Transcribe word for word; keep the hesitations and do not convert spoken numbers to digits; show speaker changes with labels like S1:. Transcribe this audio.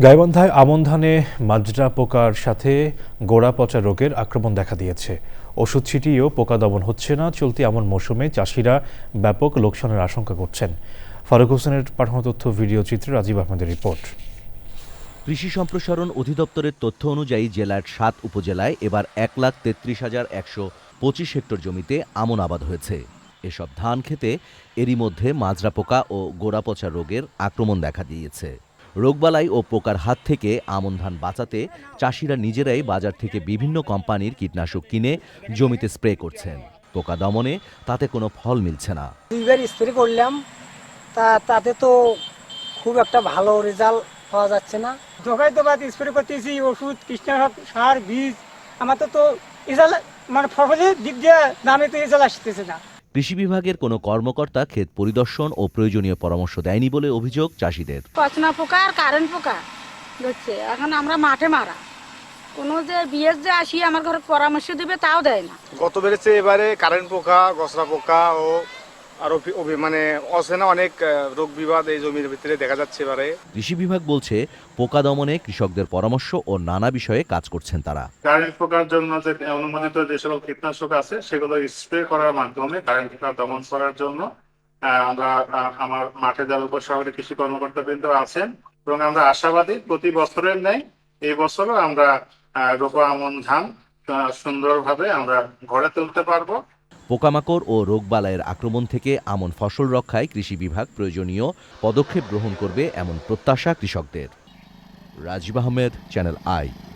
S1: গাইবান্ধায় আমন ধানে মাজরা পোকার সাথে গোড়া পচা রোগের আক্রমণ দেখা দিয়েছে। ওষুধ ছিটিয়েও পোকা দমন হচ্ছে না। চলতি আমন মৌসুমে চাষিরা ব্যাপক লোকসানের আশঙ্কা করছেন। ফারুক হোসেনের পাঠানো তথ্য ভিডিও চিত্রে রাজীব আহমেদের রিপোর্ট।
S2: কৃষি সম্প্রসারণ অধিদপ্তরের তথ্য অনুযায়ী জেলার সাত উপজেলায় এবার এক লাখ তেত্রিশ হাজার একশো পঁচিশ হেক্টর জমিতে আমন আবাদ হয়েছে। এসব ধান খেতে এরই মধ্যে মাজরা পোকা ও গোড়া পচা রোগের আক্রমণ দেখা দিয়েছে। রোগবালাই ও পোকার হাত থেকে আমন ধান বাঁচাতে চাষিরা নিজেরাই বাজার থেকে বিভিন্ন কোম্পানির কীটনাশক কিনে জমিতে স্প্রে করছেন। পোকা দমনে তাতে কোনো ফল মিলছে না।
S3: দুইবার স্প্রে করলাম, তা তাতে তো খুব একটা ভালো রেজাল্ট পাওয়া যাচ্ছে না।
S4: দোকায় তো বাদ স্প্রে করতেছি, ওষুধ, কীটনাশক, সার, বীজ, আমাদের তো রেজাল্ট মানে ফসলের দিক দিয়ে দামে তো রেজাল্ট আসতেছে না।
S2: কৃষি বিভাগের কোনো কর্মকর্তা ক্ষেত পরিদর্শন ও প্রয়োজনীয় পরামর্শ দেয়নি বলে অভিযোগ চাষিদের।
S5: পচনা পোকা আর কারেন্ট পোকা ধরছে, এখন আমরা মাঠে মারা, কোনো যে বিএস যে আসি আমার ঘরে পরামর্শ দিবে তাও দেয় না।
S6: গত বেড়েছে এবারে কারেন্ট পোকা, গসরা পোকা ও আরো মানে অচেনা অনেক রোগ বিবাদ এই জমির ভিতরে দেখা যাচ্ছে এবারে।
S2: কৃষি বিভাগ বলছে পোকা দমনে কৃষকদের পরামর্শ ও নানা বিষয়ে কাজ করছেন তারা।
S7: কারেন্ট পোকার জন্য যে অনুমোদিত যে সকল কীটনাশক আছে সেগুলো স্প্রে করার মাধ্যমে কারেন্ট পোকা দমন করার জন্য আমরা আমার মাঠে যারা উপশহরে কৃষি কর্মকর্তা বৃন্দ আছেন এবং আমরা আশাবাদী প্রতি বছরের ন্যায় এই বছরও আমরা রোপা আমন ধান সুন্দরভাবে আমরা ঘরে তুলতে পারবো।
S2: পোকামাকড় ও রোগবালাইয়ের আক্রমণ থেকে আমন ফসল রক্ষায় কৃষি বিভাগ প্রয়োজনীয় পদক্ষেপ গ্রহণ করবে এমন প্রত্যাশা কৃষকদের। Rajib Ahmed, channel I.